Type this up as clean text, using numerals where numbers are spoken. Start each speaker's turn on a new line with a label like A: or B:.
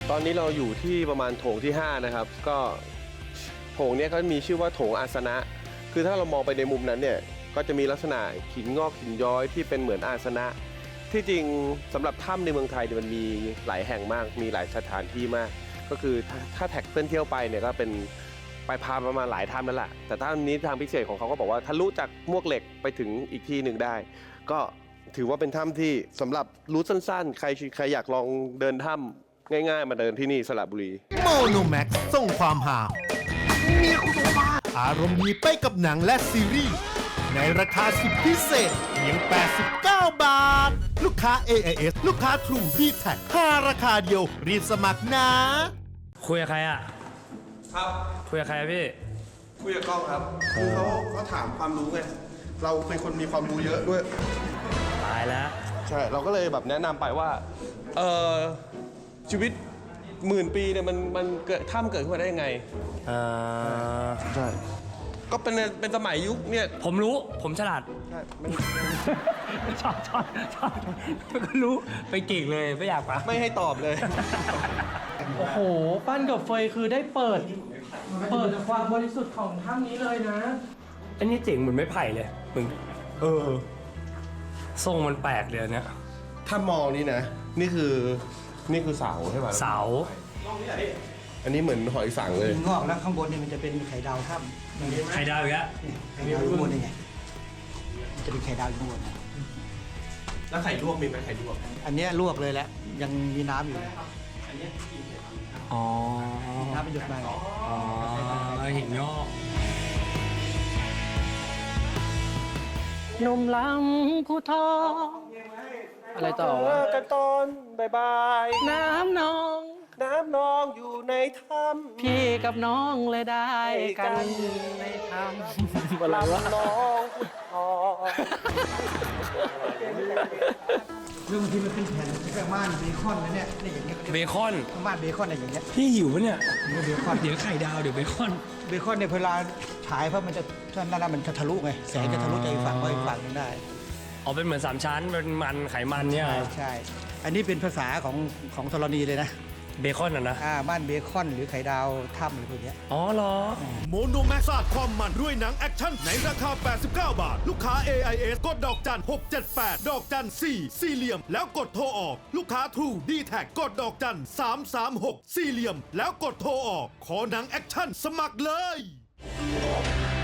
A: ตอนนี้เราอยู่ที่ประมาณโถงที่5นะครับก็โถงเนี้ยก็มีชื่อว่าโถงอาสนะคือถ้าเรามองไปในมุมนั้นเนี่ยก็จะมีลักษณะหินงอกหินย้อยที่เป็นเหมือนอาสนะที่จริงสำหรับถ้ำในเมืองไทยมันมีหลายแห่งมากมีหลายสถานที่มากก็คือถ้าแท็กเพื่อนเที่ยวไปเนี่ยก็เป็นไปพาประมาณหลายถ้ำนั่นแหละแต่ถ้ำนี้ทางพิเศษของเขาก็บอกว่าทะลุจากมวกเหล็กไปถึงอีกที่หนึ่งได้ก็ถือว่าเป็นถ้ำที่สำหรับรูทสั้นๆใครอยากลองเดินถ้ำง่ายๆมาเดินที่นี่สระบุรี
B: โมโนแม็กส่งความหาอารมณ์ดีไปกับหนังและซีรีส์ในราคาสุดพิเศษเพียง89 บาทลูกค้า AIS ลูกค้า True d t a c 5ราคาเดียวรีบสมัครนะ
C: คุยกับใครอ่ะ
A: ครับ
C: คุยกับใครพี่
A: คุยกับกล้องครับคือเขาถามความรู้ไงเราเป็นคนมีความรู้เยอะด้วย
C: ตายแล้ว
A: ใช่เราก็เลยแบบแนะนำไปว่าชีวิต10,000 ปีเนี่ยมันเกิดถ้ำเกิดขึ้นมาได้ยังไงใช่ก็เป็นสมัยยุคเนี่ย
C: ผมรู้ผมฉลาด
A: ใช่
C: ชอบก็รู้ไปเก่งเลยไม่อยากปะ
A: ไม่ให้ตอบเลย
D: โอ้โหปั้นกับเฟยคือได้เปิดความบริสุทธิ์ของถ้ำนี้เลยนะ
C: อันนี้เจ๋งเหมือนไม้ไผ่เลยมึงทรงมันแปลกเลยเนี่ย
A: ถ้ามองนี่นะนี่คือเสาใช่ไหม
C: เสา
A: อันนี้เหมือนหอยสังเลย
E: งอกแล้วข้างบนเนี่ยมันจะเป็นไข่ดาวถ้ำ
C: ไข่ดาวอีกแล้ว
E: ไข่ดาวอยู่บนนี่ไงมันจะเป็นไข่ดาวอยู่บน
A: แล้วไข่ลวกมีไหมไข่ลวก
E: อันนี้ลวกเลยแหละยังมีน้ำอยู่
C: อ๋อ
E: น้ำเป็นหยดมา
C: อ๋อหินงอก
D: นมล้ำผู้ทองอะไรต่อ
A: กันตอนบาย
D: น้ำน
A: องอยู่ในถ้ำ
D: พี่กับน้องเลยได้กันในถ้ำอะไรวะ
A: น้องพุทธ
E: เรื่องที่มันเป็นแผ่นที่แบบม่านเบคอนนะเนี่ยอย่างเงี้ย
C: เบคอน
E: ม่านเบคอนอะไรอย่างเงี้ย
C: พี่หิวปะเนี่ย
E: เบคอน
C: เดี๋ยวไข่ดาวเดี๋ยวเบคอน
E: เนี่ยเวลาฉายเพราะมันจะนั่นมันจะทะลุไงแสงจะทะลุใจฝั่งไปฝั่งนึงได้
C: อ๋อเป็นเหมือน3ชั้นเป็นมันไขมันเนี่ย
E: ใช่อันนี้เป็นภาษาของธรณีเลยนะ
C: เบคอนนะ
E: บ้านเบคอนหรือไข่ดาวถ้ำหรือพวกนี้
C: อ๋อเหรอ
B: โมโนแม็กซ์สาดความมันด้วยหนังแอคชั่นในราคา89 บาทลูกค้า AIS กดดอกจัน678ดอกจัน4สี่เหลี่ยมแล้วกดโทรออกลูกค้า True d t a c กดดอกจัน336สี่เหลี่ยมแล้วกดโทรออกขอหนังแอคชั่นสมัครเลย